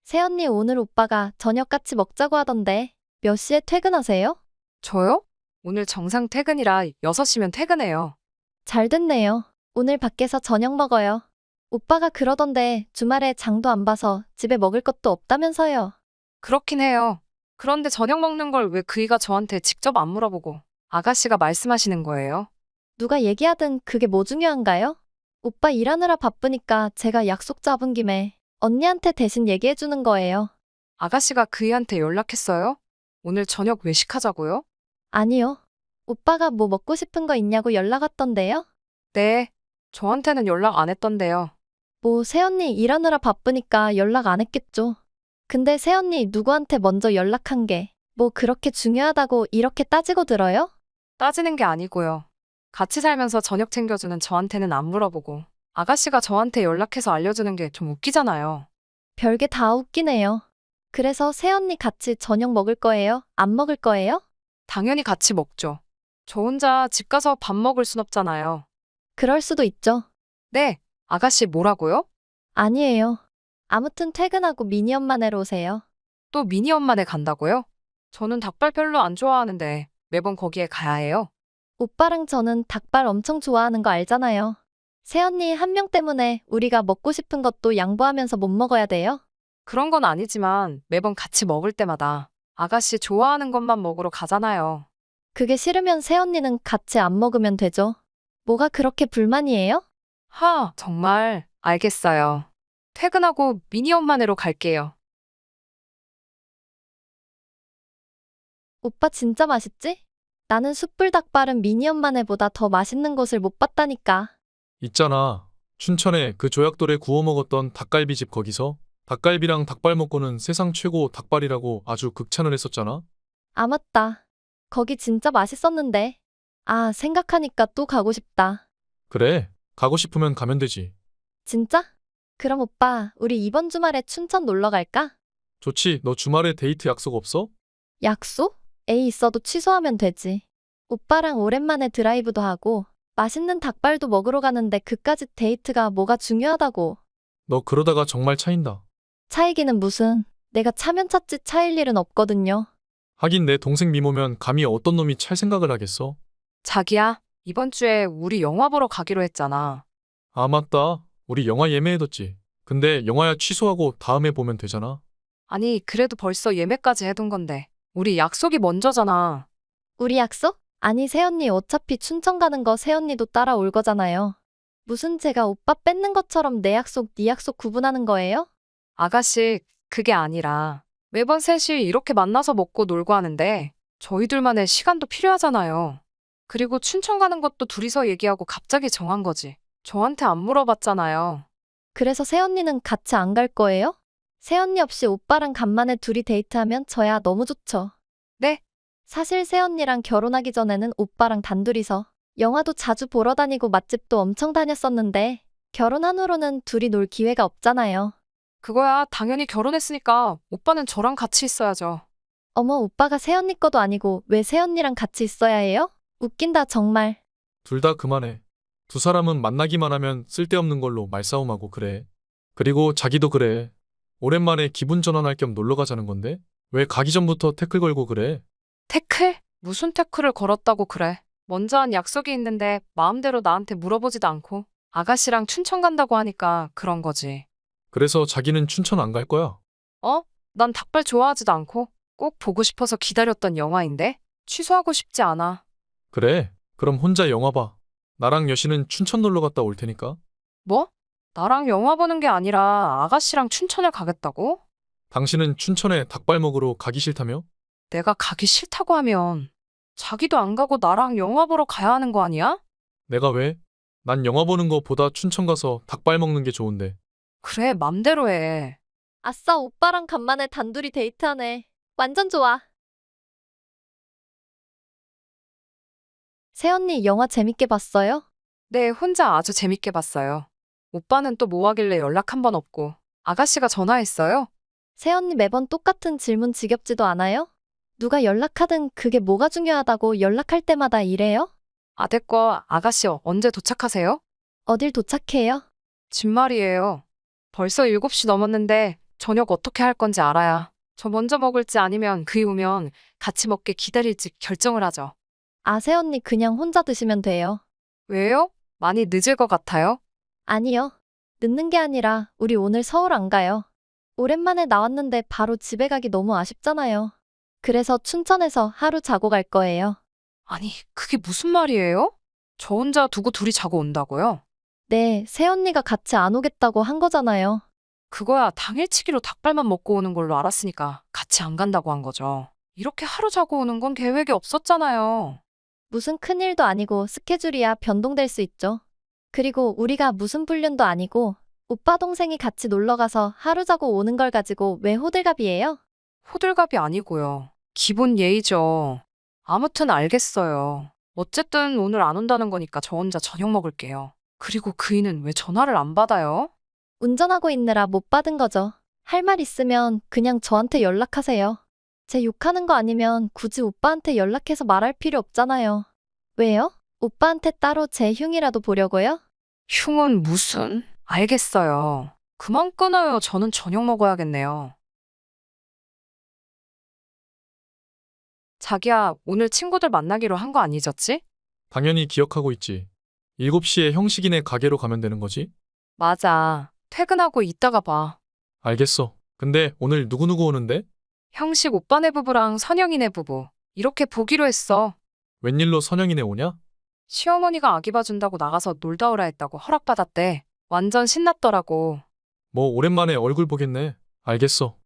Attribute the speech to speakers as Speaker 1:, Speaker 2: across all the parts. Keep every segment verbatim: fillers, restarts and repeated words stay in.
Speaker 1: 새언니 오늘 오빠가 저녁 같이 먹자고 하던데 몇 시에 퇴근하세요?
Speaker 2: 저요? 오늘 정상 퇴근이라 여섯 시면 퇴근해요.
Speaker 1: 잘 됐네요. 오늘 밖에서 저녁 먹어요. 오빠가 그러던데 주말에 장도 안 봐서 집에 먹을 것도 없다면서요.
Speaker 2: 그렇긴 해요. 그런데 저녁 먹는 걸 왜 그이가 저한테 직접 안 물어보고 아가씨가 말씀하시는 거예요?
Speaker 1: 누가 얘기하든 그게 뭐 중요한가요? 오빠 일하느라 바쁘니까 제가 약속 잡은 김에 언니한테 대신 얘기해 주는 거예요.
Speaker 2: 아가씨가 그이한테 연락했어요? 오늘 저녁 외식하자고요?
Speaker 1: 아니요. 오빠가 뭐 먹고 싶은 거 있냐고 연락 왔던데요?
Speaker 2: 네. 저한테는 연락 안 했던데요.
Speaker 1: 뭐 새언니 일하느라 바쁘니까 연락 안 했겠죠. 근데 새언니 누구한테 먼저 연락한 게 뭐 그렇게 중요하다고 이렇게 따지고 들어요?
Speaker 2: 따지는 게 아니고요. 같이 살면서 저녁 챙겨주는 저한테는 안 물어보고 아가씨가 저한테 연락해서 알려주는 게 좀 웃기잖아요.
Speaker 1: 별게 다 웃기네요. 그래서 새언니 같이 저녁 먹을 거예요? 안 먹을 거예요?
Speaker 2: 당연히 같이 먹죠. 저 혼자 집 가서 밥 먹을 순 없잖아요.
Speaker 1: 그럴 수도 있죠.
Speaker 2: 네. 아가씨 뭐라고요?
Speaker 1: 아니에요. 아무튼 퇴근하고 미니 엄마네로 오세요.
Speaker 2: 또 미니 엄마네 간다고요? 저는 닭발 별로 안 좋아하는데 매번 거기에 가야 해요.
Speaker 1: 오빠랑 저는 닭발 엄청 좋아하는 거 알잖아요. 새언니 한 명 때문에 우리가 먹고 싶은 것도 양보하면서 못 먹어야 돼요?
Speaker 2: 그런 건 아니지만 매번 같이 먹을 때마다 아가씨 좋아하는 것만 먹으러 가잖아요.
Speaker 1: 그게 싫으면 새언니는 같이 안 먹으면 되죠. 뭐가 그렇게 불만이에요?
Speaker 2: 하, 정말 알겠어요. 퇴근하고 미니 엄마네로 갈게요.
Speaker 1: 오빠 진짜 맛있지? 나는 숯불 닭발은 미니 엄마네보다 더 맛있는 곳을 못 봤다니까.
Speaker 3: 있잖아. 춘천에 그 조약돌에 구워 먹었던 닭갈비집 거기서 닭갈비랑 닭발 먹고는 세상 최고 닭발이라고 아주 극찬을 했었잖아.
Speaker 1: 아, 맞다. 거기 진짜 맛있었는데. 아, 생각하니까 또 가고 싶다.
Speaker 3: 그래, 가고 싶으면 가면 되지.
Speaker 1: 진짜? 그럼 오빠, 우리 이번 주말에 춘천 놀러 갈까?
Speaker 3: 좋지, 너 주말에 데이트 약속 없어?
Speaker 1: 약속? 에이, 있어도 취소하면 되지. 오빠랑 오랜만에 드라이브도 하고, 맛있는 닭발도 먹으러 가는데 그까짓 데이트가 뭐가 중요하다고.
Speaker 3: 너 그러다가 정말 차인다.
Speaker 1: 차이기는 무슨, 내가 차면 찼지 차일 일은 없거든요.
Speaker 3: 하긴 내 동생 미모면 감히 어떤 놈이 찰 생각을 하겠어?
Speaker 2: 자기야, 이번 주에 우리 영화 보러 가기로 했잖아.
Speaker 3: 아, 맞다. 우리 영화 예매해뒀지. 근데 영화야 취소하고 다음에 보면 되잖아.
Speaker 2: 아니, 그래도 벌써 예매까지 해둔 건데. 우리 약속이 먼저잖아.
Speaker 1: 우리 약속? 아니, 새언니 어차피 춘천 가는 거 새언니도 따라올 거잖아요. 무슨 제가 오빠 뺏는 것처럼 내 약속, 네 약속 구분하는 거예요?
Speaker 2: 아가씨, 그게 아니라 매번 셋이 이렇게 만나서 먹고 놀고 하는데 저희들만의 시간도 필요하잖아요. 그리고 춘천 가는 것도 둘이서 얘기하고 갑자기 정한 거지. 저한테 안 물어봤잖아요.
Speaker 1: 그래서 새언니는 같이 안 갈 거예요? 새언니 없이 오빠랑 간만에 둘이 데이트하면 저야 너무 좋죠.
Speaker 2: 네?
Speaker 1: 사실 새언니랑 결혼하기 전에는 오빠랑 단둘이서 영화도 자주 보러 다니고 맛집도 엄청 다녔었는데 결혼한 후로는 둘이 놀 기회가 없잖아요.
Speaker 2: 그거야 당연히 결혼했으니까 오빠는 저랑 같이 있어야죠.
Speaker 1: 어머, 오빠가 새언니 거도 아니고 왜 새언니랑 같이 있어야 해요? 웃긴다 정말.
Speaker 3: 둘 다 그만해. 두 사람은 만나기만 하면 쓸데없는 걸로 말싸움하고 그래. 그리고 자기도 그래. 오랜만에 기분 전환할 겸 놀러 가자는 건데? 왜 가기 전부터 태클 걸고 그래?
Speaker 2: 태클? 무슨 태클을 걸었다고 그래. 먼저 한 약속이 있는데 마음대로 나한테 물어보지도 않고 아가씨랑 춘천 간다고 하니까 그런 거지.
Speaker 3: 그래서 자기는 춘천 안 갈 거야.
Speaker 2: 어? 난 닭발 좋아하지도 않고 꼭 보고 싶어서 기다렸던 영화인데 취소하고 싶지 않아.
Speaker 3: 그래, 그럼 혼자 영화 봐. 나랑 여신은 춘천 놀러 갔다 올 테니까.
Speaker 2: 뭐? 나랑 영화 보는 게 아니라 아가씨랑 춘천을 가겠다고?
Speaker 3: 당신은 춘천에 닭발 먹으러 가기 싫다며?
Speaker 2: 내가 가기 싫다고 하면 자기도 안 가고 나랑 영화 보러 가야 하는 거 아니야?
Speaker 3: 내가 왜? 난 영화 보는 거보다 춘천 가서 닭발 먹는 게 좋은데.
Speaker 2: 그래, 맘대로 해.
Speaker 1: 아싸, 오빠랑 간만에 단둘이 데이트하네. 완전 좋아. 새언니 영화 재밌게 봤어요?
Speaker 2: 네, 혼자 아주 재밌게 봤어요. 오빠는 또 뭐 하길래 연락 한 번 없고 아가씨가 전화했어요?
Speaker 1: 새언니 매번 똑같은 질문 지겹지도 않아요? 누가 연락하든 그게 뭐가 중요하다고 연락할 때마다 이래요?
Speaker 2: 아, 됐고 아가씨 언제 도착하세요?
Speaker 1: 어딜 도착해요?
Speaker 2: 집 말이에요. 벌써 일곱 시 넘었는데 저녁 어떻게 할 건지 알아야 저 먼저 먹을지 아니면 그이 오면 같이 먹게 기다릴지 결정을 하죠.
Speaker 1: 아, 새언니 그냥 혼자 드시면 돼요.
Speaker 2: 왜요? 많이 늦을 것 같아요?
Speaker 1: 아니요. 늦는 게 아니라 우리 오늘 서울 안 가요. 오랜만에 나왔는데 바로 집에 가기 너무 아쉽잖아요. 그래서 춘천에서 하루 자고 갈 거예요.
Speaker 2: 아니, 그게 무슨 말이에요? 저 혼자 두고 둘이 자고 온다고요?
Speaker 1: 네, 새언니가 같이 안 오겠다고 한 거잖아요.
Speaker 2: 그거야 당일치기로 닭발만 먹고 오는 걸로 알았으니까 같이 안 간다고 한 거죠. 이렇게 하루 자고 오는 건 계획이 없었잖아요.
Speaker 1: 무슨 큰일도 아니고 스케줄이야 변동될 수 있죠. 그리고 우리가 무슨 불륜도 아니고 오빠 동생이 같이 놀러 가서 하루 자고 오는 걸 가지고 왜 호들갑이에요?
Speaker 2: 호들갑이 아니고요. 기본 예의죠. 아무튼 알겠어요. 어쨌든 오늘 안 온다는 거니까 저 혼자 저녁 먹을게요. 그리고 그이는 왜 전화를 안 받아요?
Speaker 1: 운전하고 있느라 못 받은 거죠. 할 말 있으면 그냥 저한테 연락하세요. 제 욕하는 거 아니면 굳이 오빠한테 연락해서 말할 필요 없잖아요. 왜요? 오빠한테 따로 제 흉이라도 보려고요?
Speaker 2: 흉은 무슨? 알겠어요. 그만 끊어요. 저는 저녁 먹어야겠네요. 자기야, 오늘 친구들 만나기로 한 거 아니졌지?
Speaker 3: 당연히 기억하고 있지. 일곱 시에 형식이네 가게로 가면 되는 거지?
Speaker 2: 맞아. 퇴근하고 이따가 봐.
Speaker 3: 알겠어. 근데 오늘 누구누구 오는데?
Speaker 2: 형식 오빠네 부부랑 선영이네 부부. 이렇게 보기로 했어.
Speaker 3: 웬일로 선영이네 오냐?
Speaker 2: 시어머니가 아기 봐준다고 나가서 놀다 오라 했다고 허락받았대. 완전 신났더라고.
Speaker 3: 뭐 오랜만에 얼굴 보겠네. 알겠어.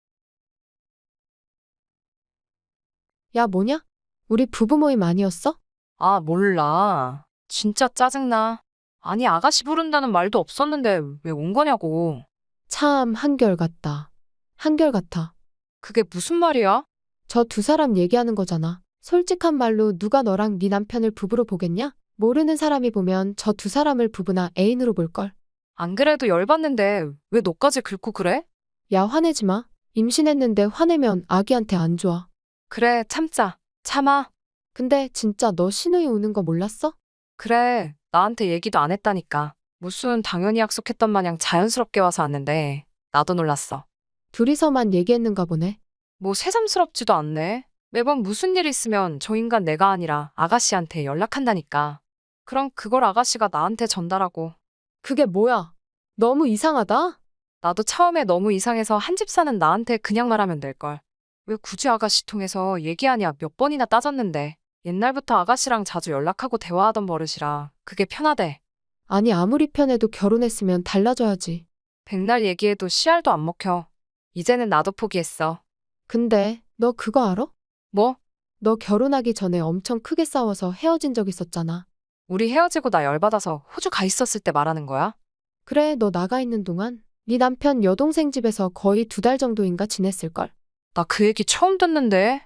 Speaker 4: 야, 뭐냐? 우리 부부 모임 아니었어?
Speaker 2: 아, 몰라. 진짜 짜증나. 아니, 아가씨 부른다는 말도 없었는데 왜 온 거냐고.
Speaker 4: 참 한결같다. 한결같아.
Speaker 2: 그게 무슨 말이야?
Speaker 4: 저 두 사람 얘기하는 거잖아. 솔직한 말로 누가 너랑 네 남편을 부부로 보겠냐? 모르는 사람이 보면 저 두 사람을 부부나 애인으로 볼걸.
Speaker 2: 안 그래도 열받는데 왜 너까지 긁고 그래?
Speaker 4: 야, 화내지 마. 임신했는데 화내면 아기한테 안 좋아.
Speaker 2: 그래, 참자. 참아.
Speaker 4: 근데 진짜 너 신우이 오는 거 몰랐어?
Speaker 2: 그래, 나한테 얘기도 안 했다니까. 무슨 당연히 약속했던 마냥 자연스럽게 와서 왔는데 나도 놀랐어.
Speaker 4: 둘이서만 얘기했는가 보네.
Speaker 2: 뭐 새삼스럽지도 않네. 매번 무슨 일 있으면 저 인간 내가 아니라 아가씨한테 연락한다니까. 그럼 그걸 아가씨가 나한테 전달하고.
Speaker 4: 그게 뭐야? 너무 이상하다?
Speaker 2: 나도 처음에 너무 이상해서 한 집 사는 나한테 그냥 말하면 될걸. 왜 굳이 아가씨 통해서 얘기하냐 몇 번이나 따졌는데. 옛날부터 아가씨랑 자주 연락하고 대화하던 버릇이라 그게 편하대.
Speaker 4: 아니, 아무리 편해도 결혼했으면 달라져야지.
Speaker 2: 백날 얘기해도 씨알도 안 먹혀. 이제는 나도 포기했어.
Speaker 4: 근데 너 그거 알아?
Speaker 2: 뭐?
Speaker 4: 너 결혼하기 전에 엄청 크게 싸워서 헤어진 적 있었잖아.
Speaker 2: 우리 헤어지고 나 열받아서 호주 가 있었을 때 말하는 거야?
Speaker 4: 그래, 너 나가 있는 동안 네 남편 여동생 집에서 거의 두 달 정도인가 지냈을걸?
Speaker 2: 나 그 얘기 처음 듣는데.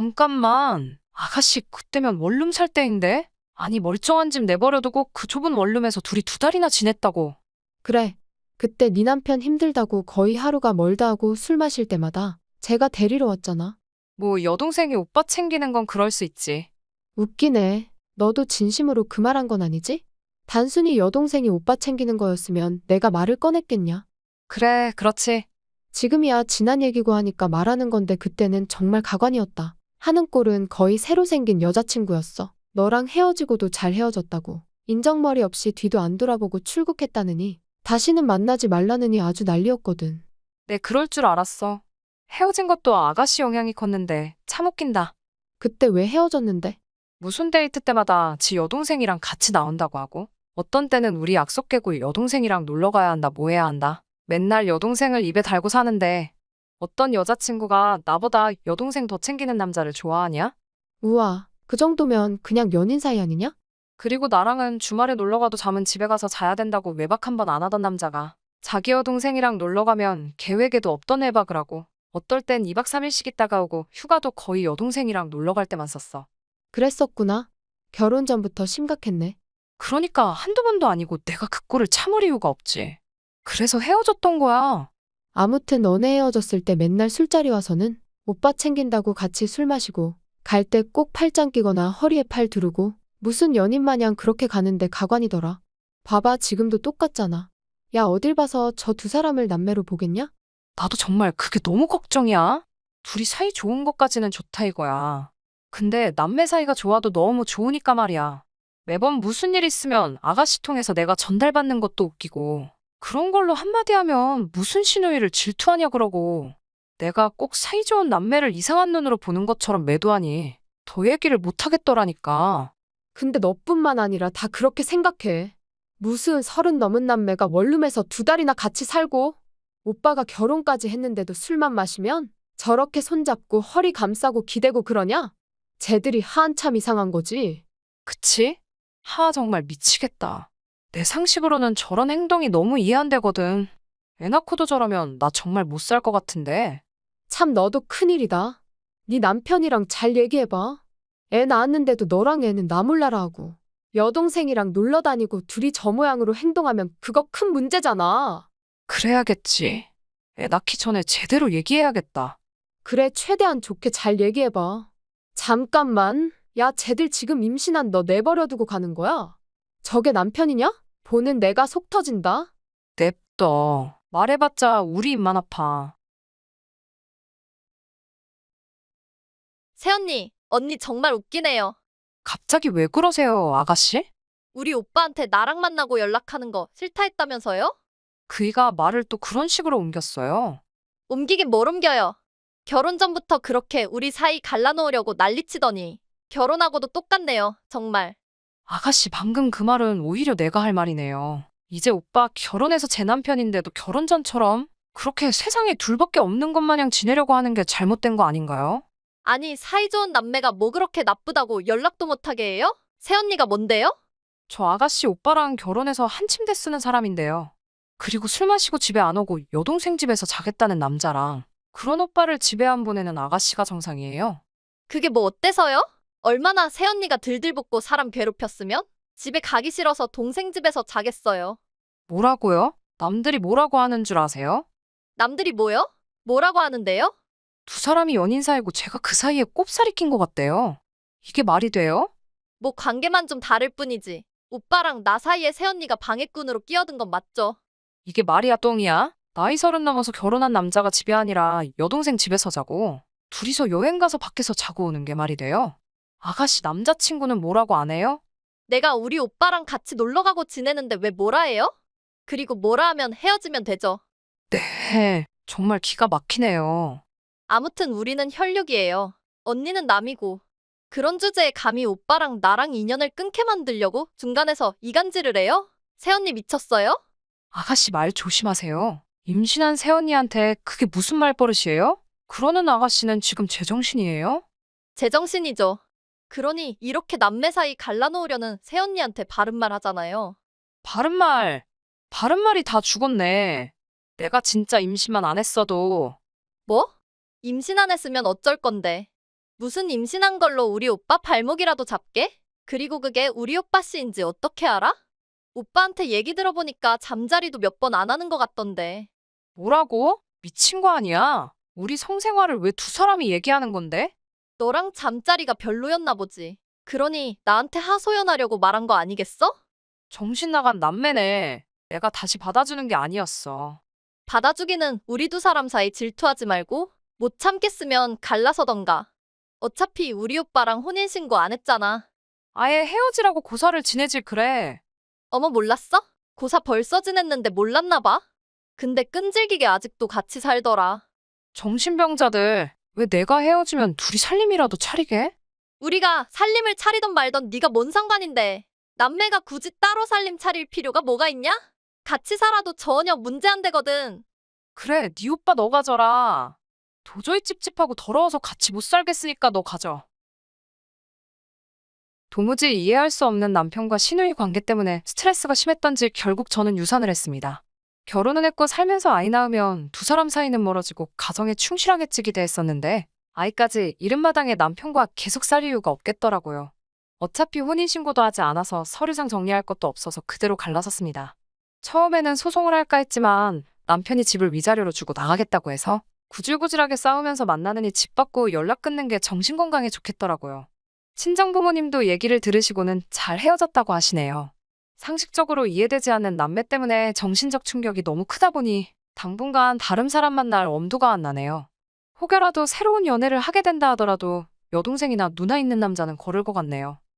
Speaker 2: 잠깐만. 아가씨 그때면 원룸 살 때인데? 아니 멀쩡한 집 내버려두고 그 좁은 원룸에서 둘이 두 달이나 지냈다고.
Speaker 4: 그래, 그때 네 남편 힘들다고 거의 하루가 멀다 하고 술 마실 때마다 제가 데리러 왔잖아.
Speaker 2: 뭐 여동생이 오빠 챙기는 건 그럴 수 있지.
Speaker 4: 웃기네. 너도 진심으로 그 말 한 건 아니지? 단순히 여동생이 오빠 챙기는 거였으면 내가 말을 꺼냈겠냐?
Speaker 2: 그래, 그렇지.
Speaker 4: 지금이야 지난 얘기고 하니까 말하는 건데 그때는 정말 가관이었다. 하는 꼴은 거의 새로 생긴 여자친구였어. 너랑 헤어지고도 잘 헤어졌다고. 인정머리 없이 뒤도 안 돌아보고 출국했다느니 다시는 만나지 말라느니 아주 난리였거든.
Speaker 2: 내 그럴 줄 알았어. 헤어진 것도 아가씨 영향이 컸는데 참 웃긴다.
Speaker 4: 그때 왜 헤어졌는데?
Speaker 2: 무슨 데이트 때마다 지 여동생이랑 같이 나온다고 하고 어떤 때는 우리 약속 깨고 여동생이랑 놀러 가야 한다 뭐 해야 한다. 맨날 여동생을 입에 달고 사는데 어떤 여자친구가 나보다 여동생 더 챙기는 남자를 좋아하냐?
Speaker 4: 우와, 그 정도면 그냥 연인 사이 아니냐?
Speaker 2: 그리고 나랑은 주말에 놀러 가도 잠은 집에 가서 자야 된다고 외박 한 번 안 하던 남자가 자기 여동생이랑 놀러 가면 계획에도 없던 외박을 하고 어떨 땐 이 박 삼 일씩 있다가 오고 휴가도 거의 여동생이랑 놀러 갈 때만 썼어.
Speaker 4: 그랬었구나. 결혼 전부터 심각했네.
Speaker 2: 그러니까 한두 번도 아니고 내가 그 꼴을 참을 이유가 없지. 그래서 헤어졌던 거야.
Speaker 4: 아무튼 너네 헤어졌을 때 맨날 술자리 와서는 오빠 챙긴다고 같이 술 마시고 갈 때 꼭 팔짱 끼거나 허리에 팔 두르고 무슨 연인 마냥 그렇게 가는데 가관이더라. 봐봐, 지금도 똑같잖아. 야, 어딜 봐서 저 두 사람을 남매로 보겠냐?
Speaker 2: 나도 정말 그게 너무 걱정이야. 둘이 사이 좋은 것까지는 좋다 이거야. 근데 남매 사이가 좋아도 너무 좋으니까 말이야. 매번 무슨 일 있으면 아가씨 통해서 내가 전달받는 것도 웃기고 그런 걸로 한마디 하면 무슨 시누이를 질투하냐 그러고 내가 꼭 사이 좋은 남매를 이상한 눈으로 보는 것처럼 매도하니 더 얘기를 못 하겠더라니까.
Speaker 4: 근데 너뿐만 아니라 다 그렇게 생각해. 무슨 서른 넘은 남매가 원룸에서 두 달이나 같이 살고 오빠가 결혼까지 했는데도 술만 마시면 저렇게 손잡고 허리 감싸고 기대고 그러냐? 쟤들이 한참 이상한 거지.
Speaker 2: 그치? 하 정말 미치겠다. 내 상식으로는 저런 행동이 너무 이해 안 되거든. 애 낳고도 저러면 나 정말 못 살 것 같은데.
Speaker 4: 참 너도 큰일이다. 네 남편이랑 잘 얘기해봐. 애 낳았는데도 너랑 애는 나 몰라라 하고 여동생이랑 놀러 다니고 둘이 저 모양으로 행동하면 그거 큰 문제잖아.
Speaker 2: 그래야겠지. 애 낳기 전에 제대로 얘기해야겠다.
Speaker 4: 그래, 최대한 좋게 잘 얘기해봐. 잠깐만. 야, 쟤들 지금 임신한 너 내버려두고 가는 거야? 저게 남편이냐? 보는 내가 속 터진다.
Speaker 2: 냅둬. 말해봤자 우리 입만 아파.
Speaker 1: 새언니, 언니 정말 웃기네요.
Speaker 2: 갑자기 왜 그러세요, 아가씨?
Speaker 1: 우리 오빠한테 나랑 만나고 연락하는 거 싫다 했다면서요?
Speaker 2: 그이가 말을 또 그런 식으로 옮겼어요.
Speaker 1: 옮기긴 뭘 옮겨요. 결혼 전부터 그렇게 우리 사이 갈라놓으려고 난리치더니 결혼하고도 똑같네요, 정말.
Speaker 2: 아가씨 방금 그 말은 오히려 내가 할 말이네요. 이제 오빠 결혼해서 제 남편인데도 결혼 전처럼 그렇게 세상에 둘밖에 없는 것 마냥 지내려고 하는 게 잘못된 거 아닌가요?
Speaker 1: 아니, 사이좋은 남매가 뭐 그렇게 나쁘다고 연락도 못하게 해요? 새언니가 뭔데요?
Speaker 2: 저 아가씨 오빠랑 결혼해서 한 침대 쓰는 사람인데요. 그리고 술 마시고 집에 안 오고 여동생 집에서 자겠다는 남자랑 그런 오빠를 집에 안 보내는 아가씨가 정상이에요.
Speaker 1: 그게 뭐 어때서요? 얼마나 새언니가 들들볶고 사람 괴롭혔으면? 집에 가기 싫어서 동생 집에서 자겠어요.
Speaker 2: 뭐라고요? 남들이 뭐라고 하는 줄 아세요?
Speaker 1: 남들이 뭐요? 뭐라고 하는데요?
Speaker 2: 두 사람이 연인 사이고 제가 그 사이에 꼽살이 낀 것 같대요. 이게 말이 돼요?
Speaker 1: 뭐 관계만 좀 다를 뿐이지. 오빠랑 나 사이에 새언니가 방해꾼으로 끼어든 건 맞죠?
Speaker 2: 이게 말이야 똥이야? 나이 서른 넘어서 결혼한 남자가 집이 아니라 여동생 집에서 자고 둘이서 여행 가서 밖에서 자고 오는 게 말이 돼요? 아가씨 남자친구는 뭐라고 안 해요?
Speaker 1: 내가 우리 오빠랑 같이 놀러 가고 지내는데 왜 뭐라 해요? 그리고 뭐라 하면 헤어지면 되죠.
Speaker 2: 네, 정말 기가 막히네요.
Speaker 1: 아무튼 우리는 혈육이에요. 언니는 남이고. 그런 주제에 감히 오빠랑 나랑 인연을 끊게 만들려고 중간에서 이간질을 해요? 새언니 미쳤어요?
Speaker 2: 아가씨 말 조심하세요. 임신한 새언니한테 그게 무슨 말버릇이에요? 그러는 아가씨는 지금 제정신이에요?
Speaker 1: 제정신이죠. 그러니 이렇게 남매 사이 갈라놓으려는 새언니한테 바른말 하잖아요.
Speaker 2: 바른말, 바른말이 다 죽었네. 내가 진짜 임신만 안 했어도
Speaker 1: 뭐? 임신 안 했으면 어쩔 건데. 무슨 임신한 걸로 우리 오빠 발목이라도 잡게? 그리고 그게 우리 오빠 씨인지 어떻게 알아? 오빠한테 얘기 들어보니까 잠자리도 몇 번 안 하는 것 같던데.
Speaker 2: 뭐라고? 미친 거 아니야? 우리 성생활을 왜 두 사람이 얘기하는 건데?
Speaker 1: 너랑 잠자리가 별로였나 보지. 그러니 나한테 하소연하려고 말한 거 아니겠어?
Speaker 2: 정신 나간 남매네. 내가 다시 받아주는 게 아니었어.
Speaker 1: 받아주기는 우리 두 사람 사이 질투하지 말고 못 참겠으면 갈라서던가. 어차피 우리 오빠랑 혼인신고 안 했잖아.
Speaker 2: 아예 헤어지라고 고사를 지내질 그래.
Speaker 1: 어머 몰랐어? 고사 벌써 지냈는데 몰랐나 봐. 근데 끈질기게 아직도 같이 살더라.
Speaker 2: 정신병자들. 왜 내가 헤어지면 둘이 살림이라도 차리게?
Speaker 1: 우리가 살림을 차리던 말던 네가 뭔 상관인데. 남매가 굳이 따로 살림 차릴 필요가 뭐가 있냐? 같이 살아도 전혀 문제 안 되거든.
Speaker 2: 그래, 네 오빠 너 가져라. 도저히 찝찝하고 더러워서 같이 못 살겠으니까 너 가져. 도무지 이해할 수 없는 남편과 시누이 관계 때문에 스트레스가 심했던지 결국 저는 유산을 했습니다. 결혼은 했고 살면서 아이 낳으면 두 사람 사이는 멀어지고 가정에 충실하겠지 기대했었는데 아이까지 이른마당에 남편과 계속 살 이유가 없겠더라고요. 어차피 혼인신고도 하지 않아서 서류상 정리할 것도 없어서 그대로 갈라섰습니다. 처음에는 소송을 할까 했지만 남편이 집을 위자료로 주고 나가겠다고 해서 구질구질하게 싸우면서 만나느니 집 받고 연락 끊는 게 정신건강에 좋겠더라고요. 친정부모님도 얘기를 들으시고는 잘 헤어졌다고 하시네요. 상식적으로 이해되지 않는 남매 때문에 정신적 충격이 너무 크다 보니 당분간 다른 사람 만날 엄두가 안 나네요. 혹여라도 새로운 연애를 하게 된다 하더라도 여동생이나 누나 있는 남자는 거를 것 같네요.